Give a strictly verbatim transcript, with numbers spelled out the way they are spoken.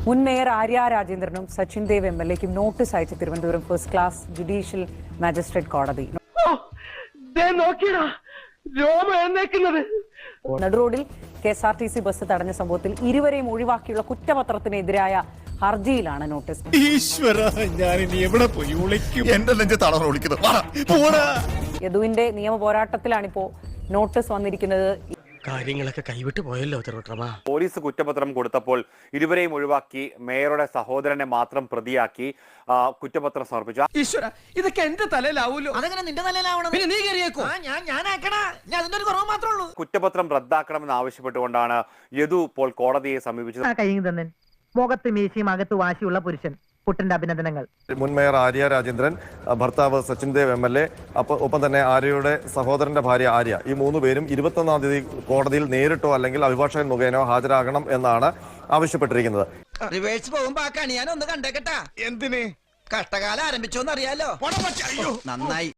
മുൻ മേയർ ആര്യ രാജേന്ദ്രനും Sachin Dev M L എക്കും നോട്ടീസ് അയച്ച Thiruvananthapuram first class judicial magistrate കോടതി. നടുറോഡിൽ K S R T C bus തടഞ്ഞ സംഭവത്തിൽ ഇരുവരെയും ഒഴിവാക്കിയുള്ള കുറ്റപത്രത്തിനെതിരായ ഹർജിയിലാണ് നോട്ടീസ്. യദുവിന്റെ നിയമ പോരാട്ടത്തിലാണിപ്പോ നോട്ടീസ് വന്നിരിക്കുന്നത്. കാര്യങ്ങളൊക്കെ കൈവിട്ട് പോയല്ലോ. പോലീസ് കുറ്റപത്രം കൊടുത്തപ്പോൾ ഇരുവരെയും ഒഴിവാക്കി മേയറുടെ സഹോദരനെ മാത്രം പ്രതിയാക്കി കുറ്റപത്രം സമർപ്പിച്ചു. ഈശ്വര, ഇതൊക്കെ എന്റെ തലയിലാവൂലോ. അതെങ്ങനെ നിന്റെ തലയിലാവണം? പിന്നെ നീ കയറിയേക്കോ? ഞാൻ ഞാനാക്കണ ഞാൻ അതിന്റെ ഒരു കുറവ് മാത്രമേ ഉള്ളൂ. കുറ്റപത്രം റദ്ദാക്കണമെന്ന് ആവശ്യപ്പെട്ടുകൊണ്ടാണ് യദു ഇപ്പോൾ കോടതിയെ സമീപിച്ചത്. മുഖത്ത് മീശയും അകത്ത് വാശിയുള്ള പുരുഷൻ. പുട്ടന്റെ അഭിനന്ദനങ്ങൾ. മുൻ മേയർ ആര്യ രാജേന്ദ്രൻ, ഭർത്താവ് Sachin Dev M L A, ഒപ്പം തന്നെ ആര്യയുടെ സഹോദരന്റെ ഭാര്യ ആര്യ, ഈ മൂന്ന് പേരും ഇരുപത്തൊന്നാം തീയതി കോടതിയിൽ നേരിട്ടോ അല്ലെങ്കിൽ അഭിഭാഷകൻ മുഖേനോ ഹാജരാകണം എന്നാണ് ആവശ്യപ്പെട്ടിരിക്കുന്നത്. റിവേഴ്സ് പോകുമ്പോ ആ കണി ഞാൻ ഒന്ന് കണ്ടേക്കട്ടാ. എന്തിന്? കഷ്ടകാലം ആരംഭിച്ചോന്ന് അറിയാലോ. നന്നായി.